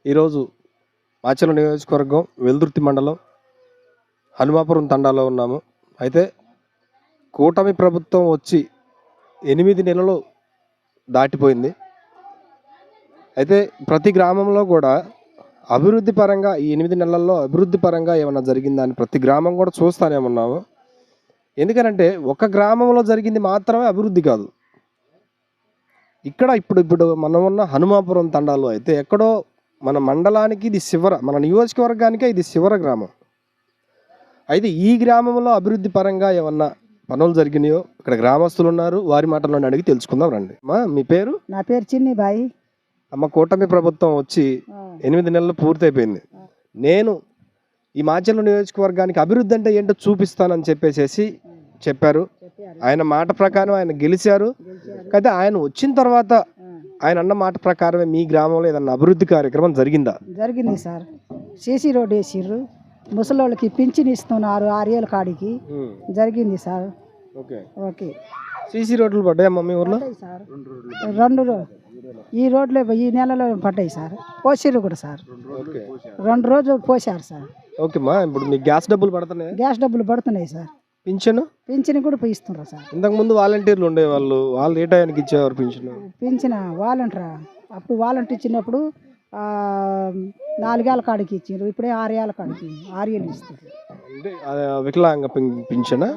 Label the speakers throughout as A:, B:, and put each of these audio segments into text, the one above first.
A: ఈరోజు మాచర్ల నియోజకవర్గం వెల్దుర్తి మండలం హనుమాపురం తండాలో ఉన్నాము. అయితే కూటమి ప్రభుత్వం వచ్చి 8 నెలలు దాటిపోయింది. అయితే ప్రతి గ్రామంలో కూడా అభివృద్ధి పరంగా ఈ 8 నెలల్లో అభివృద్ధి పరంగా ఏమన్నా జరిగిందని ప్రతి గ్రామం కూడా చూస్తూనే ఉన్నాము. ఎందుకనంటే ఒక గ్రామంలో జరిగింది మాత్రమే అభివృద్ధి కాదు. ఇక్కడ ఇప్పుడు మనం ఉన్న హనుమాపురం తండాలో అయితే ఎక్కడో మన మండలానికి ఇది శివర, మన నియోజకవర్గానికే ఇది శివర గ్రామం. అయితే ఈ గ్రామంలో అభివృద్ధి పరంగా ఏమన్నా పనులు జరిగినాయో ఇక్కడ గ్రామస్తులు ఉన్నారు, వారి మాటల్లో అడిగి తెలుసుకుందాం రండి. అమ్మా, మీ పేరు?
B: నా పేరు చిన్ని బాయి.
A: అమ్మ, కూటమి ప్రభుత్వం వచ్చి 8 నెలలు పూర్తయిపోయింది. నేను ఈ మాచర్ల నియోజకవర్గానికి అభివృద్ధి అంటే ఏంటో చూపిస్తానని చెప్పారు. ఆయన మాట ప్రకారం ఆయన గెలిచారు. అయితే ఆయన వచ్చిన తర్వాత ఆయన అన్న మాట ప్రకారమే మీ గ్రామంలో ఏదన్నా అభివృద్ధి కార్యక్రమం జరిగిందా?
B: జరిగింది సార్. సీసీ రోడ్ వేసిర్రు, ముసలోళ్ళకి పింఛన్ ఇస్తున్నారు 6 ఏళ్ళ కాడికి. జరిగింది సార్. ఓకే. సీసీ
A: రోడ్లు పడ్డాయమ్మా మీ ఊర్లో?
B: సార్ 2 ఈ రోడ్లే ఈ నెలలో పడ్డాయి సార్. పోసిర్రు కూడా సార్, 2 రోజులు పోసారు సార్.
A: ఓకేమ్మా, ఇప్పుడు మీకు గ్యాస్ డబ్బులు పడుతున్నాయి?
B: గ్యాస్ డబ్బులు పడుతున్నాయి సార్. పింఛన్ కూడా ఇస్తున్నారు సార్.
A: ఇంతకు ముందు వాలంటీర్లు ఉండేవాళ్ళు, వాళ్ళు ఏ టైంకి ఇచ్చేవారు
B: పింఛన్? వాలంటీరా? అప్పుడు వాలంటీర్ ఇచ్చినప్పుడు 4 ఏళ్ళ కాడికి ఇచ్చారు, ఇప్పుడే 6 ఏళ్ళ కాడికి 6 ఏళ్ళు ఇస్తారు.
A: వికలాంగ పింఛనా?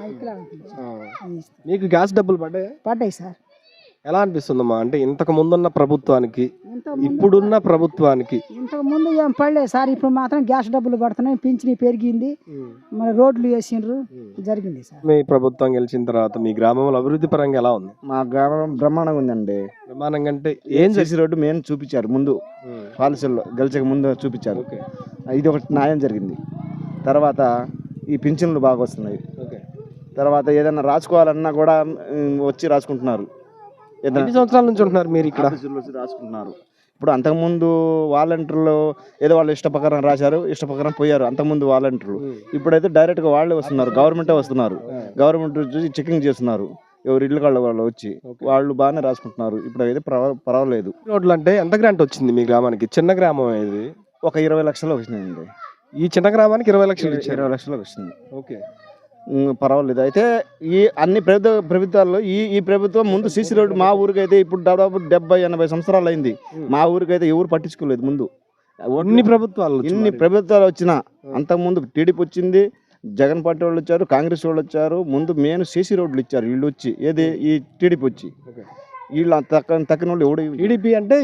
A: మీకు గ్యాస్ డబ్బులు
B: పడ్డాయి సార్.
A: ఎలా అనిపిస్తుందమ్మా? అంటే ఇంతకు ముందున్న ప్రభుత్వానికి ఇప్పుడున్న ప్రభుత్వానికి?
B: ఇంతకు ముందు ఏం పడలేదు సార్, ఇప్పుడు మాత్రం గ్యాస్ డబ్బులు పడుతున్నాయి, పింఛని పెరిగింది, మన రోడ్లు వేసిండ్రు, జరిగింది సార్.
A: మీ ప్రభుత్వం గెలిచిన తర్వాత మీ గ్రామంలో అభివృద్ధి పరంగా ఎలా ఉంది?
C: మా గ్రామం బ్రహ్మాండంగా ఉందండి.
A: బ్రహ్మాండంగా అంటే
C: ఏం చేసి రోడ్డు మెయిన్ చూపించారు ముందు, పాలసీల్లో గెలిచక ముందు చూపించారు. ఇది ఒకటి న్యాయం జరిగింది. తర్వాత ఈ పింఛన్లు బాగా వస్తున్నాయి. తర్వాత ఏదైనా రాసుకోవాలన్నా కూడా వచ్చి రాసుకుంటున్నారు.
A: ఎన్ని సంవత్సరాల నుంచి ఉంటున్నారు మీరు ఇక్కడ?
C: రాసుకుంటున్నారు. ఇప్పుడు అంతకుముందు వాలంటీర్లు ఏదో వాళ్ళు ఇష్ట ప్రకారం రాశారు, ఇష్ట ప్రకారం పోయారు అంతకుముందు వాలంటీర్లు. ఇప్పుడైతే డైరెక్ట్గా వాళ్ళే వస్తున్నారు, గవర్నమెంటే వస్తున్నారు. గవర్నమెంట్ చూసి చెకింగ్ చేస్తున్నారు, ఎవరు ఇల్లు కాళ్ళ వాళ్ళు వచ్చి వాళ్ళు బాగానే రాసుకుంటున్నారు. ఇప్పుడు అయితే పర్వాలేదు.
A: రోడ్లు అంటే ఎంత గ్రాంట్ వచ్చింది మీ గ్రామానికి? చిన్న గ్రామం ఇది,
C: ఒక 20 లక్షలు వచ్చినాయండి.
A: ఈ చిన్న గ్రామానికి 20 లక్షలు?
C: 20 లక్షలు వచ్చింది.
A: ఓకే,
C: పర్వాలేదు. అయితే ఈ అన్ని ప్రభుత్వాల్లో ఈ ప్రభుత్వం ముందు సీసీ రోడ్డు మా ఊరికైతే ఇప్పుడు దాదాపు 70-80 సంవత్సరాలు అయింది. మా ఊరికైతే ఎవరు పట్టించుకోలేదు ముందు.
A: ఇన్ని ప్రభుత్వాలు
C: వచ్చినా అంతకుముందు టీడీపీ వచ్చింది, జగన్ పార్టీ వాళ్ళు వచ్చారు, కాంగ్రెస్ వాళ్ళు వచ్చారు. ముందు మెయిన్ సీసీ రోడ్లు ఇచ్చారు వీళ్ళు వచ్చి, ఏది ఈ టీడీపీ వచ్చి. వీళ్ళు తక్కిన వాళ్ళు ఎవడు?
A: టీడీపీ అంటే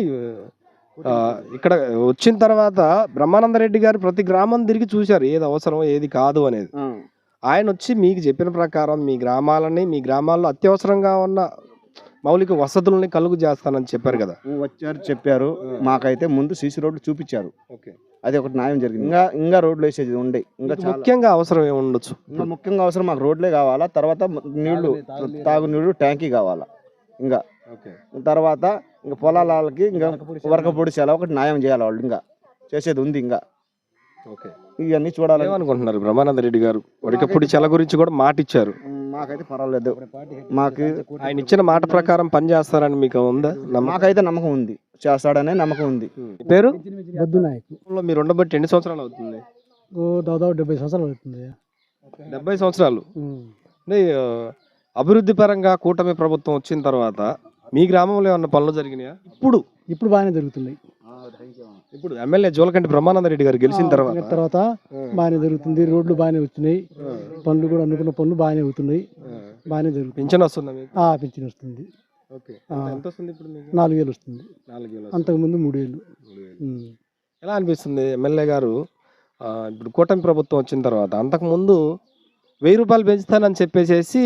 A: ఇక్కడ వచ్చిన తర్వాత బ్రహ్మానంద రెడ్డి గారు ప్రతి గ్రామం తిరిగి చూశారు ఏది అవసరం ఏది కాదు అనేది. ఆయన వచ్చి మీకు చెప్పిన ప్రకారం మీ గ్రామాల్లో అత్యవసరంగా ఉన్న మౌలిక వసతులని కలుగు చేస్తానని చెప్పారు కదా.
C: చెప్పారు. మాకైతే ముందు సీసీ రోడ్లు చూపించారు. అది ఒకటి న్యాయం జరిగింది. ఇంకా రోడ్లు వేసేది ఉండే. ఇంకా
A: ముఖ్యంగా అవసరం ఏమి ఉండొచ్చు?
C: ఇంకా ముఖ్యంగా అవసరం మాకు రోడ్లే కావాలా. తర్వాత నీళ్లు, తాగునీళ్ళు ట్యాంకీ కావాలా. ఇంకా తర్వాత ఇంకా పొలాలకి ఇంకా వరక పొడిచేలా ఒకటి న్యాయం చేయాలి. వాళ్ళు ఇంకా చేసేది ఉంది. ఇంకా ఇవన్నీ చూడాలి
A: అనుకుంటున్నారు. బ్రహ్మానంద రెడ్డి గారు వడికపూడి చెల గురించి కూడా మాట ఇచ్చారు.
C: మాకైతే పర్వాలేదు. మాకు
A: ఆయన ఇచ్చిన మాట ప్రకారం పని చేస్తారని మీకు ఉందా?
C: మాకైతే నమ్మకం ఉంది, చేస్తాడనే నమ్మకం ఉంది.
A: పేరు?
B: బొద్దు నాయక్.
A: మీరు ఉండబట్టి ఎన్ని సంవత్సరాలు అవుతుంది?
B: దాదాపు 70 సంవత్సరాలు అవుతుంది.
A: 70 సంవత్సరాలు. అంటే అభివృద్ధి పరంగా కూటమి ప్రభుత్వం వచ్చిన తర్వాత మీ గ్రామంలో ఏమన్నా పనులు జరిగినాయా?
B: ఇప్పుడు బాగానే జరుగుతున్నాయి.
A: ఇప్పుడు ఎమ్మెల్యే జోలకంటి బ్రహ్మానంద రెడ్డి గారు గెలిచిన
B: తర్వాత బాగానే జరుగుతుంది. రోడ్లు బాగానే వచ్చినాయి, పనులు కూడా అనుకున్న పనులు బాగానే అవుతున్నాయి, బాగానే జరుగుతుంది.
A: పింఛన్ వస్తుందా?
B: పింఛన్ వస్తుంది.
A: ఎంత వస్తుంది ఇప్పుడు?
B: 4 ఏళ్ళు వస్తుంది. అంతకుముందు 3 ఏళ్ళు.
A: ఎలా అనిపిస్తుంది ఎమ్మెల్యే గారు ఇప్పుడు కూటమి ప్రభుత్వం వచ్చిన తర్వాత? అంతకుముందు 1000 రూపాయలు పెంచుతానని చెప్పేసి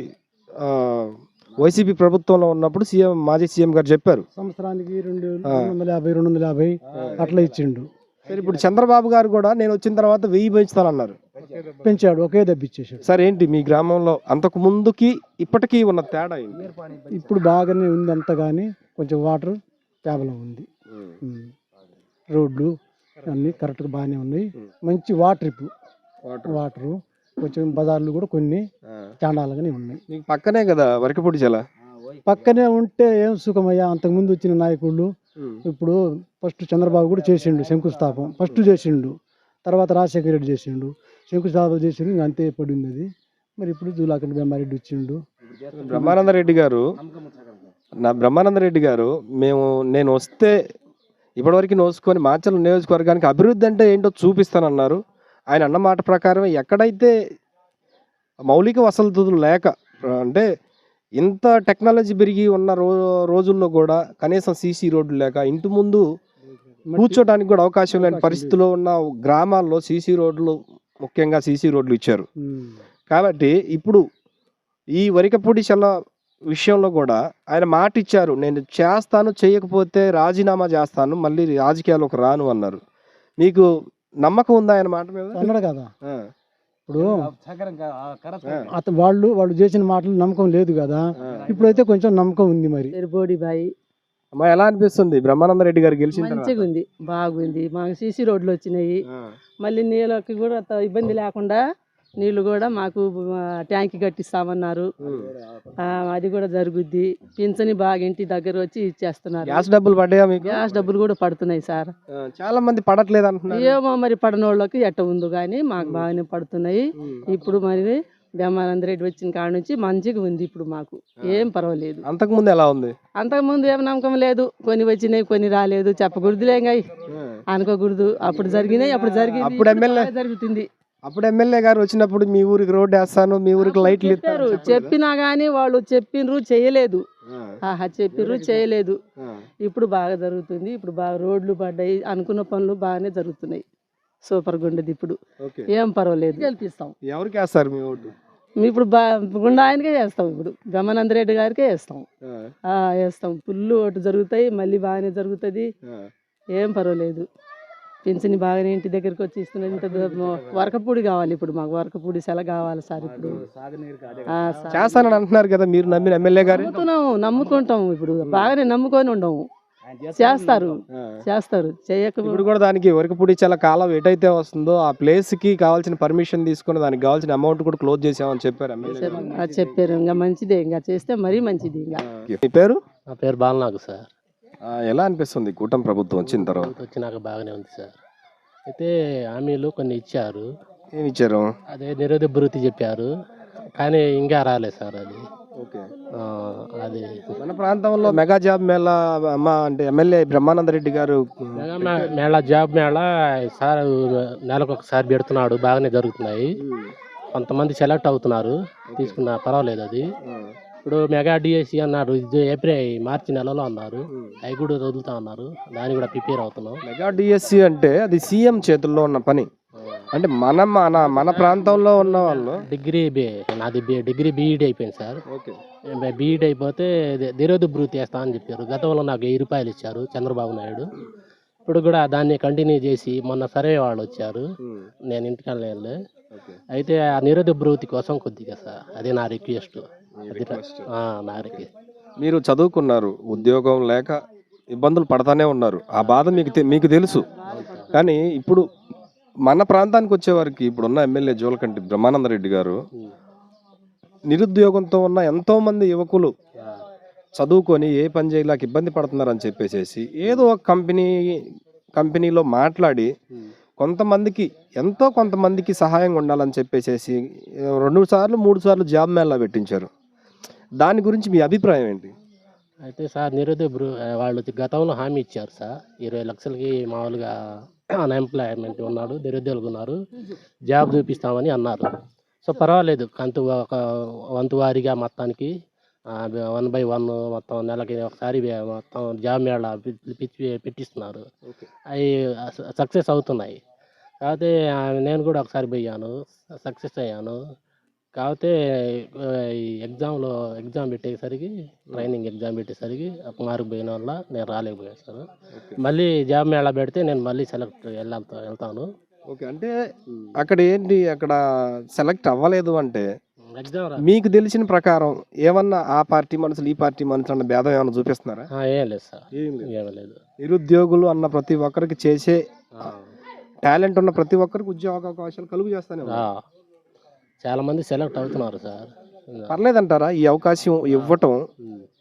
A: వైసీపీ ప్రభుత్వంలో ఉన్నప్పుడు మాజీ సీఎం గారు చెప్పారు
B: సంవత్సరానికి 250 అట్లా ఇచ్చిండు.
A: సరే, ఇప్పుడు చంద్రబాబు గారు కూడా నేను వచ్చిన తర్వాత 1000 పెంచుతానన్నారు.
B: పెంచాడు, ఒకే దెబ్బిచ్చేసాడు.
A: సార్, ఏంటి మీ గ్రామంలో అంతకు ముందుకి ఇప్పటికీ ఉన్న తేడా?
B: ఇప్పుడు బాగానే ఉంది అంతా, కానీ కొంచెం వాటర్ ప్రాబ్లం ఉంది. రోడ్లు అన్నీ కరెక్ట్గా బాగానే ఉన్నాయి. మంచి వాటరు కొంచెం బజార్లు కూడా కొన్ని చాండాలుగానే ఉన్నాయి.
A: మీకు పక్కనే కదా వరకపూడి చెల?
B: పక్కనే ఉంటే ఏం సుఖమయ్యా. అంతకుముందు వచ్చిన నాయకుళ్ళు ఇప్పుడు ఫస్ట్ చంద్రబాబు కూడా చేసిండు శంకుస్థాపన, ఫస్ట్ చేసిండు, తర్వాత రాజశేఖర రెడ్డి చేసిండు, శంకుస్థాపన చేసిండు, ఇంకా అంతే పడింది అది. మరి ఇప్పుడు జూలాకంటి బ్రహ్మారెడ్డి వచ్చిండు.
A: బ్రహ్మానందరెడ్డి గారు నేను వస్తే ఇప్పటివరకు నోసుకొని మాచర్ల నియోజకవర్గానికి అభివృద్ధి అంటే ఏంటో చూపిస్తానన్నారు. ఆయన అన్న మాట ప్రకారం ఎక్కడైతే మౌలిక వసతులు లేక, అంటే ఇంత టెక్నాలజీ పెరిగి ఉన్న రోజుల్లో కూడా కనీసం సీసీ రోడ్లు లేక, ఇంటి ముందు కూర్చోడానికి కూడా అవకాశం లేని పరిస్థితిలో ఉన్న గ్రామాల్లో సీసీ రోడ్లు, ముఖ్యంగా సీసీ రోడ్లు ఇచ్చారు. కాబట్టి ఇప్పుడు ఈ వరికపూడి చల్ల విషయంలో కూడా ఆయన మాట ఇచ్చారు, నేను చేస్తాను, చేయకపోతే రాజీనామా చేస్తాను, మళ్ళీ రాజకీయాల్లోకి రాను అన్నారు. మీకు నమ్మకం ఉందా ఆయన మాట మీద?
B: అన్నాడు కదా. ఇప్పుడు వాళ్ళు చేసిన మాటలు నమ్మకం లేదు కదా. ఇప్పుడైతే కొంచెం నమ్మకం ఉంది. మరి
D: బోడిబాయి
A: అమ్మా, ఎలా అనిపిస్తుంది బ్రహ్మానందరెడ్డి గారు గెలిచిన తర్వాత?
D: మంచిగా ఉంది, బాగుంది. మాకు సీసీ రోడ్లు వచ్చినాయి. మళ్ళీ నీళ్ళకి కూడా ఇబ్బంది లేకుండా నీళ్లు కూడా మాకు ట్యాంక్ కట్టిస్తామన్నారు. అది కూడా జరుగుద్ది. పింఛని బాగా ఇంటి దగ్గర వచ్చి ఇచ్చేస్తున్నారు.
A: గ్యాస్ డబ్బులు పడ్డాయా మీకు?
D: గ్యాస్ డబ్బులు కూడా పడుతున్నాయి సార్.
A: చాలా మంది పడట్లేదు అంటున్నారు.
D: ఏమో మరి పడనోళ్ళకి ఎట్ట ఉందో కానీ మాకు బాగానే పడుతున్నాయి. ఇప్పుడు మరి బ్రహ్మానందరెడ్డి వచ్చిన కాడ నుంచి మంచిగా ఉంది. ఇప్పుడు మాకు ఏం పర్వాలేదు.
A: అంతకుముందు ఎలా ఉంది?
D: అంతకుముందు ఏం నమ్మకం లేదు. కొన్ని వచ్చినాయి, కొన్ని రాలేదు. చెప్పకూడదులే, అనుకోకూడదు. అప్పుడు జరిగినాయి, అప్పుడు జరిగింది,
A: అప్పుడు ఎమ్మెల్యే
D: జరుగుతుంది.
A: అప్పుడు ఎమ్మెల్యే గారు వచ్చినప్పుడు మీ ఊరికి రోడ్డు వేస్తాను, మీ ఊరికి లైట్లు ఇస్తారు
D: చెప్పినా గానీ వాళ్ళు చెప్పిండ్రు, చేయలేదు. చెప్పిర్రు, చేయలేదు. ఇప్పుడు బాగా జరుగుతుంది. ఇప్పుడు బాగా రోడ్లు పడ్డాయి. అనుకున్న పనులు బాగానే జరుగుతున్నాయి. సూపర్ గా ఉండేది. ఇప్పుడు ఏం పర్వాలేదు. గెలిపిస్తాం.
A: ఎవరికి వేస్తారు మీ ఓటు?
D: ఇప్పుడు గుండా ఆయనకే చేస్తాం. ఇప్పుడు బ్రహ్మానందరెడ్డి గారికే వేస్తాం. వేస్తాం. ఫుల్ ఓటు జరుగుతాయి. మళ్ళీ బాగానే జరుగుతుంది. ఏం పర్వాలేదు. పింఛని బాగానే ఇంటి దగ్గరికి వచ్చి ఇస్తున్నారు. ఇంత వరకపూడి కావాలి. ఇప్పుడు మాకు వరకపూడి సెల కావాలి సార్. ఇప్పుడు
A: చేస్తానని అంటున్నారు కదా, మీరు నమ్మిన ఎమ్మెల్యే గారు?
D: నమ్ముకుంటాం. ఇప్పుడు బాగానే నమ్ముకొని ఉండము. చేస్తారు,
A: ఇప్పుడు కూడా దానికి వరకపూడి చాలా కాలం ఎటైతే వస్తుందో ఆ ప్లేస్ కి కావాల్సిన పర్మిషన్ తీసుకుని దానికి కావాల్సిన అమౌంట్ కూడా క్లోజ్ చేసామని చెప్పారు.
D: చెప్పారు. ఇంకా మంచిదే, ఇంకా చేస్తే మరీ మంచిది. ఇంకా
A: మీ పేరు?
E: నా పేరు బాలనాగు సార్.
A: ఎలా అనిపిస్తుంది కూటమి ప్రభుత్వం వచ్చిన తర్వాత?
E: వచ్చినాక బాగానే ఉంది సార్. అయితే హామీలు కొన్ని ఇచ్చారు.
A: ఏమి ఇచ్చారు?
E: అదే నిరోధ భృతి చెప్పారు, కానీ ఇంకా రాలేదు సార్. అది అది
A: మన ప్రాంతంలో మెగా జాబ్ మేళా అంటే ఎమ్మెల్యే బ్రహ్మానందరెడ్డి గారు
E: మేళా జాబ్ మేళా సార్ నెలకు ఒకసారి పెడుతున్నాడు. బాగానే జరుగుతున్నాయి. కొంతమంది సెలెక్ట్ అవుతున్నారు, తీసుకున్న పర్వాలేదు. అది ఇప్పుడు మెగా డిఎస్సి అన్నారు, మార్చి నెలలో అన్నారు. అవి కూడా వదులుతా ఉన్నారు. దాన్ని కూడా ప్రిపేర్ అవుతున్నాం.
A: మెగా డిఎస్సి అంటే అది సీఎం చేతుల్లో ఉన్న పని. అంటే మన ప్రాంతంలో ఉన్న వాళ్ళు
E: నాది డిగ్రీ బీఈడి అయిపోయింది సార్. బీఈడి అయిపోతే నిరోధ భృతి వేస్తా అని చెప్పారు. గతంలో నాకు 1000 రూపాయలు ఇచ్చారు చంద్రబాబు నాయుడు. ఇప్పుడు కూడా దాన్ని కంటిన్యూ చేసి మొన్న సర్వే వాళ్ళు వచ్చారు, నేను ఇంటికి వెళ్ళలే. అయితే ఆ నిరోధ భృతి కోసం కొద్దిగా సార్, అదే నా రిక్వెస్ట్. నా రిక్వెస్ట్.
A: మీరు చదువుకున్నారు, ఉద్యోగం లేక ఇబ్బందులు పడతానే ఉన్నారు. ఆ బాధ మీకు తెలుసు. కానీ ఇప్పుడు మన ప్రాంతానికి వచ్చేవారికి ఇప్పుడున్న ఎమ్మెల్యే జూలకంటి బ్రహ్మానందరెడ్డి గారు నిరుద్యోగంతో ఉన్న ఎంతో మంది యువకులు చదువుకొని ఏ పని చేయలేక ఇబ్బంది పడుతున్నారని చెప్పేసి ఏదో ఒక కంపెనీలో మాట్లాడి కొంతమందికి సహాయంగా ఉండాలని చెప్పేసి 2 సార్లు 3 సార్లు జాబ్ మేళా పెట్టించారు. దాని గురించి మీ అభిప్రాయం ఏంటి?
E: అయితే సార్ వాళ్ళు గతంలో హామీ ఇచ్చారు సార్, 20 లక్షలకి మామూలుగా అన్ఎంప్లాయ్మెంట్ ఉన్నాడు, నిరుద్యోగులు ఉన్నారు, జాబ్ చూపిస్తామని అన్నారు. సో పర్వాలేదు, వంతు వారీగా మొత్తానికి 1 by 1 మొత్తం నెలకి ఒకసారి మొత్తం జాబ్ మేళా పెట్టిస్తున్నారు. అవి సక్సెస్ అవుతున్నాయి. కాకపోతే నేను కూడా ఒకసారి పోయాను, సక్సెస్ అయ్యాను. కాకపోతే ఎగ్జామ్ పెట్టేసరికి, ట్రైనింగ్ ఎగ్జామ్ పెట్టేసరికి ఒక మార్కు పోయిన వల్ల నేను రాలేకపోయాను సార్. మళ్ళీ జాబ్ మేళా పెడితే నేను మళ్ళీ వెళ్తాను.
A: ఓకే, అంటే అక్కడ సెలెక్ట్ అవ్వలేదు అంటే మీకు తెలిసిన ప్రకారం ఏమన్నా ఆ పార్టీ మనుషులు ఈ పార్టీ మనుషులు అన్న భేదం ఏమన్నా చూపిస్తున్నారా?
E: ఏం లేదు సార్, ఏం లేదు.
A: నిరుద్యోగులు అన్న ప్రతి ఒక్కరికి చేసే టాలెంట్ ఉన్న ప్రతి ఒక్కరికి ఉద్యోగ అవకాశాలు కలుగు చేస్తానే
E: చాలా మంది సెలెక్ట్ అవుతున్నారు సార్.
A: పర్లేదంటారా ఈ అవకాశం ఇవ్వటం?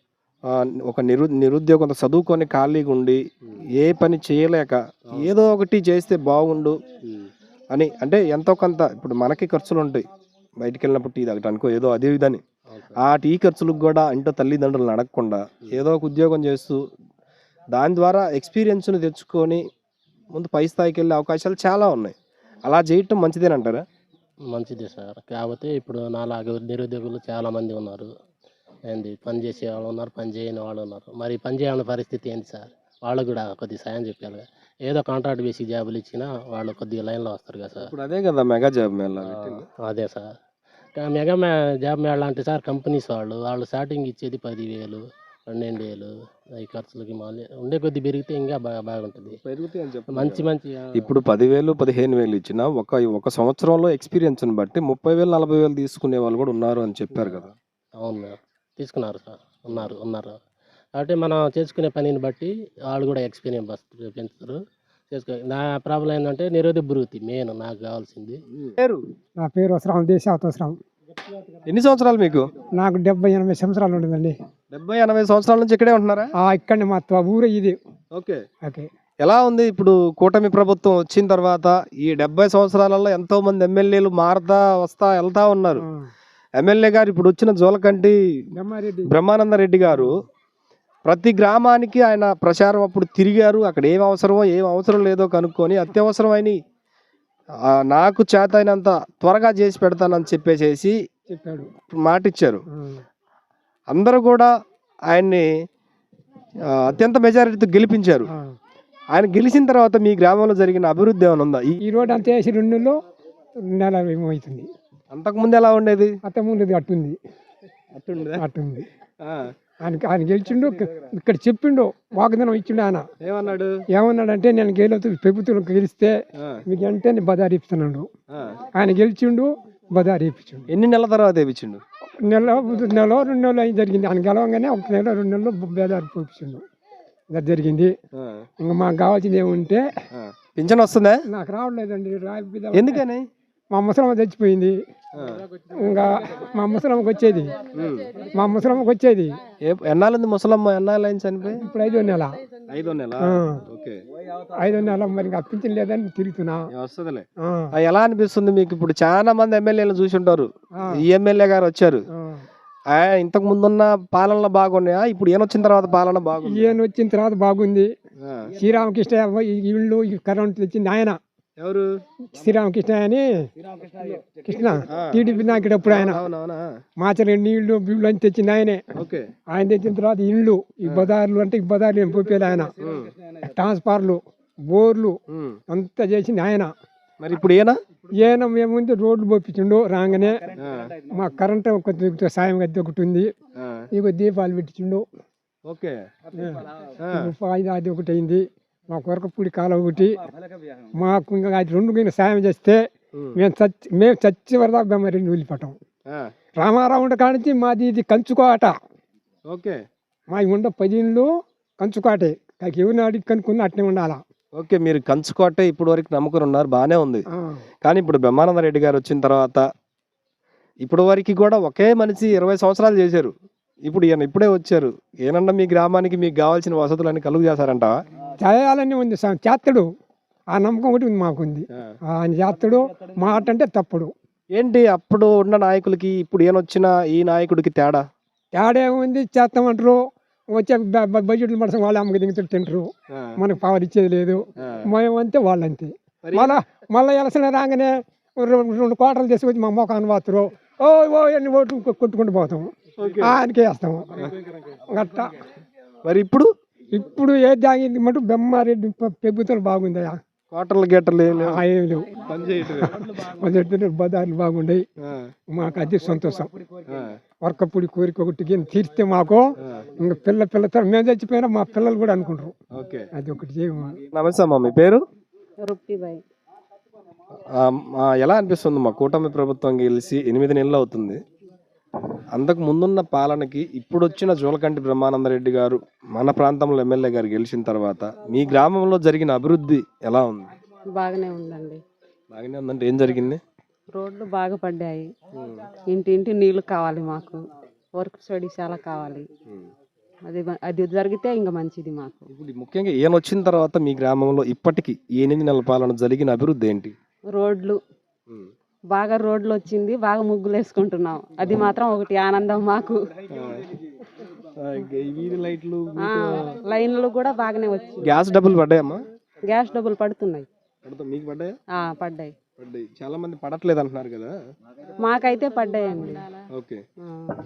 A: ఒక నిరుద్యోగం చదువుకొని ఖాళీగా ఉండి ఏ పని చేయలేక ఏదో ఒకటి చేస్తే బాగుండు అని, అంటే ఎంతో కొంత ఇప్పుడు మనకి ఖర్చులు ఉంటాయి బయటికి వెళ్ళినప్పుడు టీ తాగటానికో ఏదో అదే విధాన్ని, ఆ టీ ఖర్చులకు కూడా ఇంట్లో తల్లిదండ్రులను అడగకుండా ఏదో ఒక ఉద్యోగం చేస్తూ దాని ద్వారా ఎక్స్పీరియన్స్ని తెచ్చుకొని ముందు పై స్థాయికి వెళ్ళే అవకాశాలు చాలా ఉన్నాయి. అలా చేయటం మంచిదేనంటారా?
E: మంచిదే సార్. కాకపోతే ఇప్పుడు నాలాగా నిరుద్యోగులు చాలామంది ఉన్నారు. ఏంది పని చేసే వాళ్ళు ఉన్నారు, పని చేయని వాళ్ళు ఉన్నారు. మరి పని చేయని పరిస్థితి ఏంటి సార్? వాళ్ళకు కూడా కొద్దిగా సాయం చెప్పాలి కదా. ఏదో కాంట్రాక్ట్ బేసిక్ జాబులు ఇచ్చినా వాళ్ళు కొద్దిగా లైన్లో వస్తారు కదా సార్.
A: ఇప్పుడు అదే కదా మెగా జాబ్ మేళా పెట్టింది.
E: అదే సార్. మెగా జాబ్ మేళ అంటే సార్ కంపెనీస్ వాళ్ళు స్టార్టింగ్ ఇచ్చేది 10,000, 12,000 ఈ ఖర్చులకి మళ్ళీ ఉండే కొద్ది పెరిగితే ఇంకా బాగుంటుంది.
A: పెరుగుతాయి అని చెప్పి
E: మంచి మంచి
A: ఇప్పుడు 10,000 15,000 ఇచ్చినా ఒక సంవత్సరంలో ఎక్స్పీరియన్స్ని బట్టి 30,000 40,000 తీసుకునే వాళ్ళు కూడా ఉన్నారు అని చెప్పారు కదా.
E: అవును తీసుకున్నారు సార్, ఉన్నారు. కాబట్టి మనం చేసుకునే పనిని బట్టి వాళ్ళు కూడా ఎక్స్పీరియన్స్ పెంచుతారు. నా ప్రాబ్లం ఏంటంటే నిరోధక వృత్తి మెయిన్ నాకు కావాల్సింది.
A: పేరు
B: నా పేరు వసరాం దేశావసరం.
A: ఎన్ని సంవత్సరాలు మీకు?
B: నాకు 70-80 సంవత్సరాలు ఉంటుందండి.
A: 70-80 సంవత్సరాల నుంచి ఇక్కడే ఉంటున్నారా?
B: ఇక్కడనే మా ఊరే ఇది.
A: ఓకే.
B: ఓకే.
A: ఎలా ఉంది ఇప్పుడు కూటమి ప్రభుత్వం వచ్చిన తర్వాత? ఈ 70 సంవత్సరాలలో ఎంతో మంది ఎమ్మెల్యేలు మారుతా వస్తా వెళ్తా ఉన్నారు. ఎమ్మెల్యే గారు ఇప్పుడు వచ్చిన జోలకంటి బ్రహ్మానంద రెడ్డి గారు ప్రతి గ్రామానికి ఆయన ప్రచారం అప్పుడు తిరిగారు. అక్కడ ఏం అవసరమో ఏం అవసరం లేదో కనుక్కొని అత్యవసరమైన నాకు చేత అయినంత త్వరగా చేసి పెడతానని చెప్పేసి
B: చెప్పాడు,
A: మాట ఇచ్చారు. అందరూ కూడా ఆయన్ని అత్యంత మెజారిటీతో గెలిపించారు. ఆయన గెలిచిన తర్వాత మీ గ్రామంలో జరిగిన అభివృద్ధి ఏమైనా ఉందా?
B: ఈ రోడ్ అంతా వేసి 2 నెలలు ఏమవుతుంది.
A: అంతకుముందు ఎలా ఉండేది?
B: అంతకుముందు అట్టుంది. ఆయన గెలిచిండు. ఇక్కడ చెప్పిండు, వాగ్దానం ఇచ్చిండు. ఆయన ఏమన్నాడంటే నేను ప్రభుత్వం గెలిస్తే మీకు అంటే నేను బజార్ ఇప్పిస్తున్నాడు. ఆయన గెలిచిండు, బజార్ ఇప్పించిండు.
A: ఎన్ని నెలల తర్వాత ఇప్పించిండు?
B: నెల 2 నెలలు అయి జరిగింది. ఆయన గెలవగానే 1 నెల 2 నెలలు బజార్ ఇప్పించిండు. అది జరిగింది. ఇంకా మాకు కావాల్సింది ఏముంటే
A: పింఛన్ వస్తుందా?
B: నాకు రావట్లేదండి.
A: ఎందుకని?
B: మా ముసలమ్మ చచ్చిపోయింది. ఇంకా మా ముసలమ్మకి వచ్చేది.
A: ఎన్నాళ్ళుంది ముసలమ్మ? ఎన్నాళ్ళైంది చనిపోయి?
B: ఇప్పుడు 5వ నెల.
A: 5వ నెల. ఓకే.
B: 5వ నెల. మరి అప్పించలేదని లేదని తిరుగుతున్నా.
A: వస్తుందిలే. ఎలా అనిపిస్తుంది మీకు? ఇప్పుడు చాలా మంది ఎమ్మెల్యేలు చూసి ఉంటారు. ఈ ఎమ్మెల్యే గారు వచ్చారు, ఇంతకు ముందున్న పాలనలో బాగున్నాయా? ఇప్పుడు ఈయన వచ్చిన తర్వాత పాలన బాగుంది?
B: ఈయన వచ్చిన తర్వాత బాగుంది. శ్రీరామకృష్ణ ఇళ్ళు కరెంట్ తెచ్చింది ఆయన.
A: ఎవరు?
B: శ్రీరామకృష్ణ అని కృష్ణ టీడీపీ నాయకుడు. అప్పుడు ఆయన మాచల నీళ్లు బిల్లు అని తెచ్చింది ఆయనే. ఆయన తెచ్చిన తర్వాత ఇళ్ళు ఈ బజార్లు అంటే ఈ బజార్లు పోపేది ఆయన. ట్రాన్స్ఫార్లు, బోర్లు అంతా చేసింది ఆయన.
A: మరి ఇప్పుడు
B: ఈయన మేముంది రోడ్లు పోపించిండు. రాగానే మా కరెంట్ కొంచెం సాయం గది ఒకటి ఉంది. ఇక దీపాలు పెట్టించిండు. అది ఒకటి అయింది. మా కొరకపూడి కాలం ఒకటి. మాకు ఇంకా అది 2 సాయం చేస్తే మేము చచ్చి వరదా బెమ్మరిని వెళ్ళిపోతాం. రామారావు ఉండ కానించి మాది ఇది కంచుకోట. మా ఉండ 10 ఇళ్ళు కంచుకోటే. ఎవరిని అడిగి కనుక్కున్నా అట్నే ఉండాలా.
A: ఓకే. మీరు కంచుకోటే ఇప్పుడు వరకు నమ్ముకుని ఉన్నారు, బాగానే ఉంది. కానీ ఇప్పుడు బ్రహ్మానంద రెడ్డి గారు వచ్చిన తర్వాత ఇప్పుడు వరకు కూడా ఒకే మనిషి 20 సంవత్సరాలు చేశారు. ఇప్పుడు ఈయన ఇప్పుడే వచ్చారు. ఏనన్నా మీ గ్రామానికి మీకు కావాల్సిన వసతులన్నీ కలుగు చేశారంట?
B: చేయాలని ఉంది, చేస్తాడు. ఆ నమ్మకం ఒకటి ఉంది, మాకుంది. ఆయన చేస్తాడు. మాట అంటే తప్పుడు.
A: ఏంటి అప్పుడు ఉన్న నాయకులకి ఇప్పుడు ఈయన వచ్చిన ఈ నాయకుడికి తేడా
B: ఏముంది? చేస్తామంటారు, వచ్చే బడ్జెట్లు మనసు వాళ్ళు అమ్మకి దిగుతూ తింటారు. మనకు పవర్ ఇచ్చేది లేదు. మేమంతే వాళ్ళంతే. మళ్ళీ ఎలసిన రాగానే 2 కోటలు తీసుకొచ్చి మా మొఖాన్ని వాతురు. ఎన్ని ఓట్లు కొట్టుకుంటూ పోతాము. ఆయనకే వేస్తాము గట్టా.
A: మరి
B: ఇప్పుడు ఏది తాగింది మటు బెమ్మారెడ్డి ప్రభుత్వం బాగుందయా.
A: కోటలు గేటలు ఏం
B: లేవు. బజార్లు బాగుండయి. మాకు అది సంతోషం. వర్కపూడి కోరిక ఒకటి తీర్స్తే మాకు ఇంకా పిల్లతో మేము చచ్చిపోయినా మా పిల్లలు కూడా అనుకుంటారు. అది ఒకటి చేయము.
A: నమస్తే అమ్మా, మీ పేరు?
D: రొప్పిబాయ్.
A: ఎలా అనిపిస్తుంది? మా కూటమి ప్రభుత్వం గెలిచి 8 నెలలు అవుతుంది. అంతకు ముందున్న పాలనకి ఇప్పుడు వచ్చిన జోలకంటి బ్రహ్మానంద రెడ్డి గారు మన ప్రాంతంలో ఎమ్మెల్యే గారు గెలిచిన తర్వాత మీ గ్రామంలో జరిగిన అభివృద్ధి ఎలా ఉంది?
D: బాగానే ఉందండి.
A: బాగానే ఉందంటే ఏం జరిగింది?
D: రోడ్లు బాగా పడ్డాయి. ఇంటింటి నీళ్లు కావాలి మాకు. వర్క్ స్టడీ చాలా కావాలి.
F: అది జరిగితే ఇంకా మంచిది మాకు.
A: ఇప్పుడు ముఖ్యంగా ఈయన వచ్చిన తర్వాత మీ గ్రామంలో ఇప్పటికీ ఈ 8 నెలల పాలన జరిగిన అభివృద్ధి ఏంటి?
F: రోడ్లు బాగా రోడ్లు వచ్చింది, బాగా ముగ్గులు వేసుకుంటున్నాం. అది మాత్రం ఒకటి ఆనందం మాకు.
A: వీధి లైట్లు,
F: లైన్లు కూడా బాగానే వచ్చింది.
A: గ్యాస్ డబ్బులు పడ్డాయమ్మా?
F: గ్యాస్ డబ్బులు పడుతున్నాయి.
A: మీకు పడ్డాయా?
F: పడ్డాయి.
A: పడ్డాయి. చాలా మంది పడట్లేదు అంటున్నారు కదా.
F: మాకైతే పడ్డాయండి.
A: ఓకే
F: ఆ.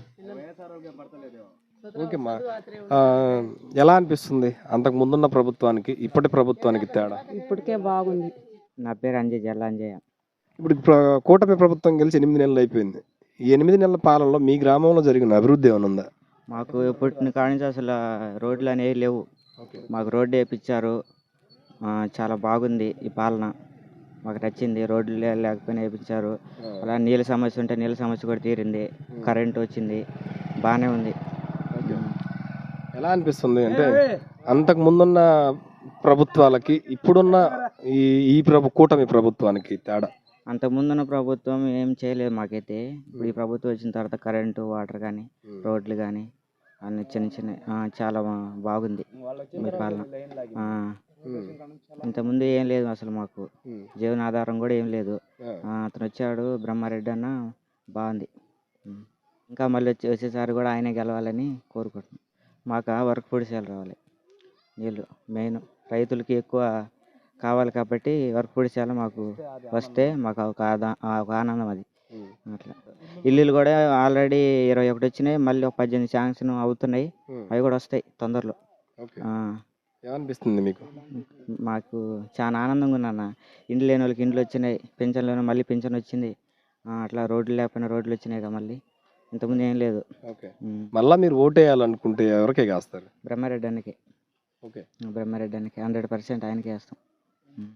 A: ఓకేమ్మా. ఎలా అనిపిస్తుంది అంతకు ముందున్న ప్రభుత్వానికి ఇప్పటి ప్రభుత్వానికి తేడా?
F: ఇప్పటికే బాగుంది.
G: నా పేరు అంజయ్, జల్ల అంజయ్య.
A: ఇప్పుడు కూటమి ప్రభుత్వం గెలిచి 8 నెలలు అయిపోయింది. ఈ 8 నెలల పాలనలో మీ గ్రామంలో జరిగిన అభివృద్ధి ఏమైనా ఉందా?
G: మాకు పుట్టిన కాడి నుంచి అసలు రోడ్లు అనేవి లేవు. మాకు రోడ్డు వేయించారు. చాలా బాగుంది ఈ పాలన, మాకు నచ్చింది. రోడ్లు లేకపోయినా వేయించారు. అలా నీళ్ళ సమస్య ఉంటే నీళ్ళ సమస్య కూడా తీరింది. కరెంట్ వచ్చింది, బాగానే ఉంది.
A: ఎలా అనిపిస్తుంది అంటే అంతకు ముందున్న ప్రభుత్వాలకి ఇప్పుడున్న ఈ కూటమి ప్రభుత్వానికి తేడా?
G: అంతకుముందున్న ప్రభుత్వం ఏం చేయలేదు మాకైతే. ఇప్పుడు ఈ ప్రభుత్వం వచ్చిన తర్వాత కరెంటు, వాటర్ కానీ, రోడ్లు కానీ అన్ని చిన్న చిన్న చాలా బాగుంది మీ పాలన. ఇంతకుముందు ఏం లేదు అసలు మాకు, జీవనాధారం కూడా ఏం లేదు. అతను వచ్చాడు బ్రహ్మారెడ్డి అన్న, బాగుంది. ఇంకా మళ్ళీ వచ్చేసారి కూడా ఆయనే గెలవాలని కోరుకుంటున్నాం. మాకు వర్క్ పొడిసేలు రావాలి, నీళ్ళు మెయిన్ రైతులకి ఎక్కువ కావాలి కాబట్టి వర్క్ పొడిసేలు మాకు వస్తే మాకు ఒక ఆనందం అది. అట్లా ఇల్లులు కూడా ఆల్రెడీ 21 వచ్చినాయి, మళ్ళీ ఒక 18 శాంక్షన్ అవుతున్నాయి. అవి కూడా వస్తాయి తొందరలో.
A: ఏమనిపిస్తుంది మీకు?
G: మాకు చాలా ఆనందంగా ఉందన్న. ఇండ్లు లేని వాళ్ళకి ఇండ్లు వచ్చినాయి, పెన్షన్ లేని మళ్ళీ పెన్షన్ వచ్చింది. అట్లా రోడ్లు లేకపోయినా రోడ్లు వచ్చినాయి కదా మళ్ళీ, ఇంతకుముందు ఏం లేదు.
A: మళ్ళీ మీరు ఓటేయాలనుకుంటే ఎవరికే వేస్తారు?
G: బ్రహ్మారెడ్డి అన్నకి.
A: ఓకే,
G: బ్రహ్మారెడ్డి అన్నకి 100% ఆయనకే వేస్తాం.